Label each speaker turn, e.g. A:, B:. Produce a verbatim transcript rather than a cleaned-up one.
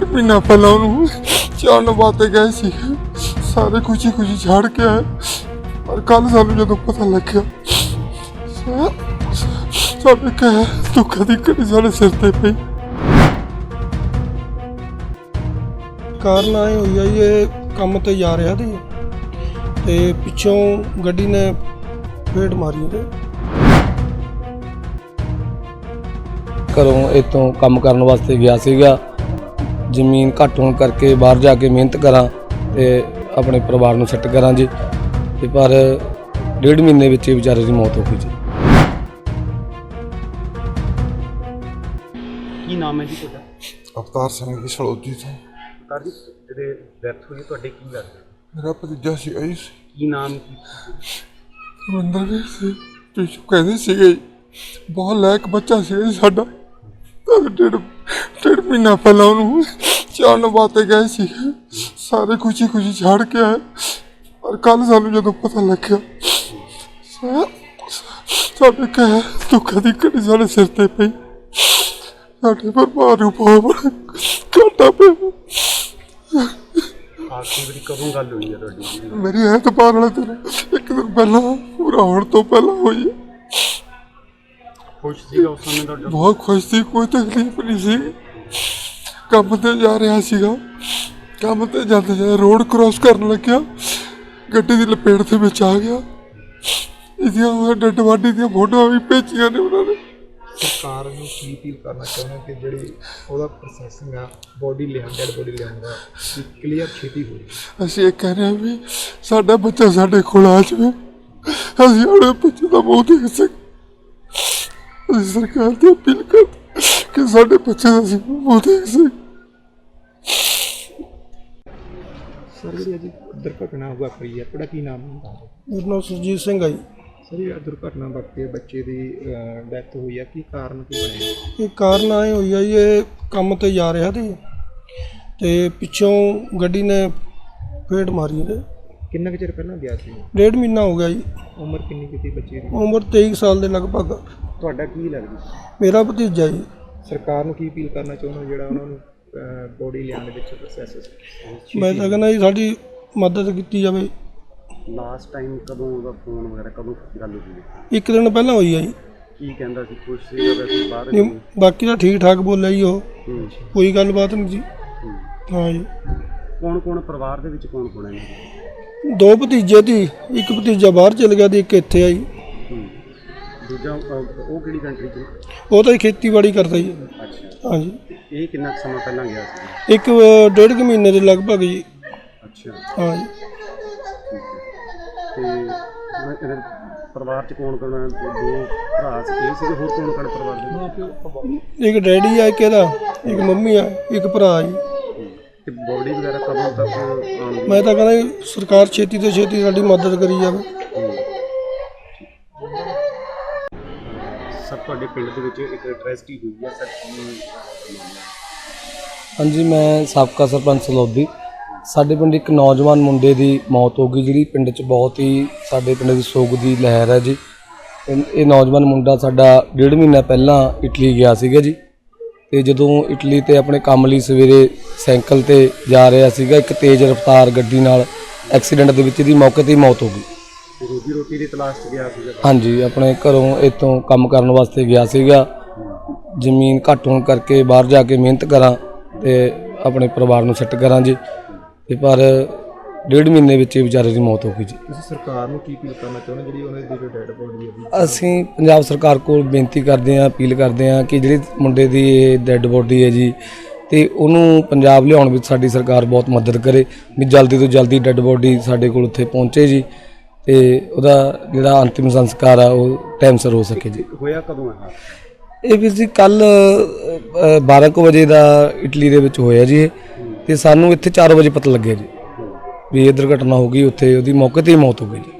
A: महीना पहला चाण वास्ते गए सी, सारे खुशी खुशी छड़ के आए, पर कल सानू जो पता लग्या साडे कह दुखा दी घड़ी साडे सिर ते पई।
B: कारण आए हुई है ये काम ते जा रहा थी ते पिछों गड्डी ने फेट मारी ते
C: घरों इतों काम करने वास्ते गया सीगा। जमीन घट होने करके बाहर जाके मेहनत करा ते अपने परिवार नूं सैट करा जी, ते पर डेढ़ महीने विच ही बेचारे की मौत हो गई जी।
D: की नाम है जी तुहाडा?
A: अवतार सिंह जी सड़ौदी तो।
D: अवतार जी जिहदे डैथ हुई तुहाडे की लगदा?
A: मेरा भतीजा सी आई
D: की नाम की?
A: रविंदर सी पिछू कहते सी बहुत लायक बच्चा सी साडा। डेढ़ डेढ़ महीना पहला चाण वास्ते गए सी, सारे खुशी खुशी छड़ के आए, पर कल सानू जो पता लग्या साडे कह दुखा दी घड़ी साडे सिर ते पई। साडे परिवार नूं बहुत बड़ा घाटा पिया।
D: आखिरी वारी कदों गल हुई है तुहाडी?
A: मेरी ऐतबार वाले दिन एक दिन पहला पूरा होने तो पहला हुई है।
D: खुश सीगा उस समय तुहाडा?
A: बहुत खुश थी, कोई तकलीफ नहीं सी। काम ते जा रहा सीगा, काम ते जाते जाते रोड क्रॉस करन लग्या, गड्डी दी लपेट दे विच आ गया। इहदियां डेड बॉडी दी फोटोआं भी भेजियां ने उन्हां ने।
E: सरकार ਨੂੰ ਕੀ ਅਪੀਲ ਕਰਨਾ ਚਾਹੁੰਦੇ ਕਿ ਜਿਹੜੀ ਉਹਦਾ ਪ੍ਰੋਸੈਸਿੰਗ ਆ ਬੋਡੀ ਲਿਆਉਣ ਡੈਡ ਬੋਡੀ ਲਿਆਉਣ ਦਾ ਕਲੀਅਰ ਛੇਤੀ ਹੋ ਜਾਵੇ।
A: ਅਸੀਂ ਇਹ ਕਹਿ ਰਹੇ ਹਾਂ ਵੀ ਸਾਡਾ ਬੱਚਾ ਸਾਡੇ ਕੋਲ ਆ ਜਾਵੇ, ਅਸੀਂ ਆਪਣੇ ਬੱਚੇ ਦਾ ਮੂੰਹ ਦੇਖ ਸਕੀਏ। ਅਸੀਂ ਸਰਕਾਰ ਤੋਂ ਅਪੀਲ ਕਰਦੇ ਕਿ ਸਾਡੇ ਬੱਚੇ ਦਾ ਅਸੀਂ ਮੂੰਹ ਦੇਖ ਸਕੀਏ।
E: ਸਰ ਜਿਹੜੀ ਅੱਜ ਦੁਰਘਟਨਾ ਵਾਪਰੀ ਹੈ ਤੁਹਾਡਾ ਕੀ ਨਾਮ ਹੈ?
B: मेरा नाम सुरजीत सिंह है जी।
E: ਸਰ ਇਹ ਦੁਰਘਟਨਾ ਵਾਪਰੀ ਬੱਚੇ ਦੀ ਡੈਥ ਹੋਈ ਹੈ, ਕੀ ਕਾਰਨ ਕੀ ਬਣਿਆ?
B: ये कारण आए हुई है ये काम ते जा रहा थी ते पिछों गड्डी ने फेट मारी ते
E: ਕਿੰਨਾ ਕੁ ਚਿਰ ਪਹਿਲਾਂ ਗਿਆ ਸੀ?
B: डेढ़ महीना हो गया जी।
E: ਉਮਰ ਕਿੰਨੀ ਕੀਤੀ ਬੱਚੇ ਦੀ?
B: उम्र तेईस साल के लगभग।
E: ਤੁਹਾਡਾ ਕੀ ਲੱਗਦਾ?
B: मेरा भतीजा जी।
E: ਸਰਕਾਰ ਨੂੰ ਕੀ ਅਪੀਲ ਕਰਨਾ ਚਾਹੁੰਦੇ ਜਿਹੜਾ ਉਹਨਾਂ ਨੂੰ ਬੋਡੀ ਲਿਆਉਣ ਦੇ ਵਿੱਚ ਪ੍ਰੋਸੈਸ?
B: मैं तो कहना जी साडी मदद की जाए।
D: ਲਾਸਟ ਟਾਈਮ ਕਦੋਂ ਉਹਦਾ ਫੋਨ ਵਗੈਰਾ ਕਦੋਂ ਗੱਲ ਹੋਈ?
B: एक दिन पहला हुई है जी।
D: ਕੀ ਕਹਿੰਦਾ ਸੀ? ਖੁਸ਼ ਸੀਗਾ ਵੈਸੇ ਬਾਹਰ?
B: नहीं, बाकी तो ठीक ठाक बोलिया जी, वो
D: ਹੂੰ
B: कोई गलबात नहीं जी।
D: ਹੂੰ।
B: हाँ जी,
D: ਕੌਣ ਕੌਣ ਪਰਿਵਾਰ ਦੇ ਵਿੱਚ ਕੌਣ ਕੌਣ ਹੈ ਇਹਨਾਂ ਦੇ?
B: दो भतीजे थी, एक भतीजा बाहर चल गया थी, एक इत्थे आई।
D: ਹੂੰ। ਦੂਜਾ ਅਹ, ਉਹ ਕਿਹੜੀ ਕੰਟਰੀ 'ਚ?
B: वो तो खेतीबाड़ी करता जी।
D: ਅੱਛਾ।
B: हाँ जी,
D: ਇਹ ਕਿੰਨਾ ਕੁ ਸਮਾਂ ਪਹਿਲਾਂ ਗਿਆ ਸੀ?
B: एक डेढ़ के महीने के लगभग जी।
D: ਅੱਛਾ
B: हाँ जी,
D: ਤੇ ਮੈਂ ਇਹਦੇ ਪਰਿਵਾਰ 'ਚ ਕੌਣ ਕੌਣ ਹੈ? ਦੋ ਭਰਾ ਸੀ, ਇਹ ਸੀਗੇ, ਹੋਰ ਕੌਣ ਕੌਣ ਪਰਿਵਾਰ ਦੇ?
B: एक डैडी है, एक एदा, एक मम्मी है, एक भरा जी।
D: ਤੇ ਬੋਡੀ ਵਗੈਰਾ ਕਦੋਂ ਤੱਕ ਆਉਣਗੀ?
B: मैं तो कहना जी सरकार छेती तो छेती साडी मदद करी जाए।
D: ਸਰ ਤੁਹਾਡੇ ਪਿੰਡ ਦੇ ਵਿੱਚ ਇੱਕ ਟ੍ਰੈਜਡੀ ਹੋਈ ਹੈ ਸਰ, ਕੀ?
C: हाँ जी, मैं साबका सरपंच सलौदी। ਸਾਡੇ ਪਿੰਡ ਇੱਕ ਨੌਜਵਾਨ ਮੁੰਡੇ ਦੀ ਮੌਤ ਹੋ ਗਈ, ਜਿਹੜੀ ਪਿੰਡ 'ਚ ਬਹੁਤ ਹੀ ਸਾਡੇ ਪਿੰਡ ਦੀ ਸੋਗ ਦੀ ਲਹਿਰ ਹੈ ਜੀ। ਇਹ ਇਹ ਨੌਜਵਾਨ ਮੁੰਡਾ ਸਾਡਾ ਡੇਢ ਮਹੀਨਾ ਪਹਿਲਾਂ ਇਟਲੀ ਗਿਆ ਸੀਗਾ ਜੀ, ਤੇ ਜਦੋਂ ਇਟਲੀ ਤੇ ਆਪਣੇ ਕੰਮ ਲਈ ਸਵੇਰੇ ਸਾਈਕਲ ਤੇ ਜਾ ਰਿਹਾ ਸੀਗਾ, ਇੱਕ ਤੇਜ਼ ਰਫ਼ਤਾਰ ਗੱਡੀ ਨਾਲ ਐਕਸੀਡੈਂਟ ਦੇ ਵਿੱਚ ਇਹਦੀ ਮੌਕੇ 'ਤੇ ਹੀ ਮੌਤ ਹੋ ਗਈ।
D: ਰੋਜੀ ਰੋਟੀ ਦੀ ਤਲਾਸ਼ 'ਚ ਗਿਆ ਸੀਗਾ?
C: ਹਾਂਜੀ, ਆਪਣੇ ਘਰੋਂ ਇੱਥੋਂ ਕੰਮ ਕਰਨ ਵਾਸਤੇ ਗਿਆ ਸੀਗਾ। ਜ਼ਮੀਨ ਘੱਟ ਹੋਣ ਕਰਕੇ ਬਾਹਰ ਜਾ ਕੇ ਮਿਹਨਤ ਕਰਾਂ ਤੇ ਆਪਣੇ ਪਰਿਵਾਰ ਨੂੰ ਸੈੱਟ ਕਰਾਂ ਜੀ, ਤੇ ਪਰ ਡੇਢ ਮਹੀਨੇ ਵਿੱਚ ਹੀ ਵਿਚਾਰੇ ਦੀ ਮੌਤ ਹੋ ਗਈ ਜੀ।
E: ਤੁਸੀਂ ਸਰਕਾਰ ਨੂੰ ਕੀ ਅਪੀਲ ਕਰਨਾ ਚਾਹੁੰਦੇ ਜਿਹੜੀ ਉਹਨਾਂ ਦੀ ਜੋ ਡੈਡ ਬੋਡੀ ਹੈ?
C: ਅਸੀਂ ਪੰਜਾਬ ਸਰਕਾਰ ਕੋਲ ਬੇਨਤੀ ਕਰਦੇ ਹਾਂ, ਅਪੀਲ ਕਰਦੇ ਹਾਂ ਕਿ ਜਿਹੜੀ ਮੁੰਡੇ ਦੀ ਇਹ ਡੈੱਡ ਬੋਡੀ ਹੈ ਜੀ, ਤੇ ਉਹਨੂੰ ਪੰਜਾਬ ਲਿਆਉਣ ਵਿੱਚ ਸਾਡੀ ਸਰਕਾਰ ਬਹੁਤ ਮਦਦ ਕਰੇ, ਵੀ ਜਲਦੀ ਤੋਂ ਜਲਦੀ ਡੈੱਡ ਬੋਡੀ ਸਾਡੇ ਕੋਲ ਉੱਥੇ ਪਹੁੰਚੇ ਜੀ, ਤੇ ਉਹਦਾ ਜਿਹੜਾ ਅੰਤਿਮ ਸੰਸਕਾਰ ਆ ਉਹ ਟਾਈਮ ਸਿਰ ਹੋ ਸਕੇ ਜੀ।
D: ਹੋਇਆ ਕਦੋਂ ਹੈ
C: ਇਹ ਵੀਰ ਜੀ ਕੱਲ ਬਾਰਾਂ ਕੁ ਵਜੇ ਦਾ ਇਟਲੀ ਦੇ ਵਿੱਚ ਹੋਇਆ ਜੀ ਇਹ, ਤੇ ਸਾਨੂੰ ਇੱਥੇ ਚਾਰ ਵਜੇ ਪਤਾ ਲੱਗਿਆ ਜੀ ਵੀ ਇਹ ਦੁਰਘਟਨਾ ਹੋ ਗਈ, ਉੱਥੇ ਉਹਦੀ ਮੌਕੇ 'ਤੇ ਹੀ ਮੌਤ ਹੋ ਗਈ ਜੀ।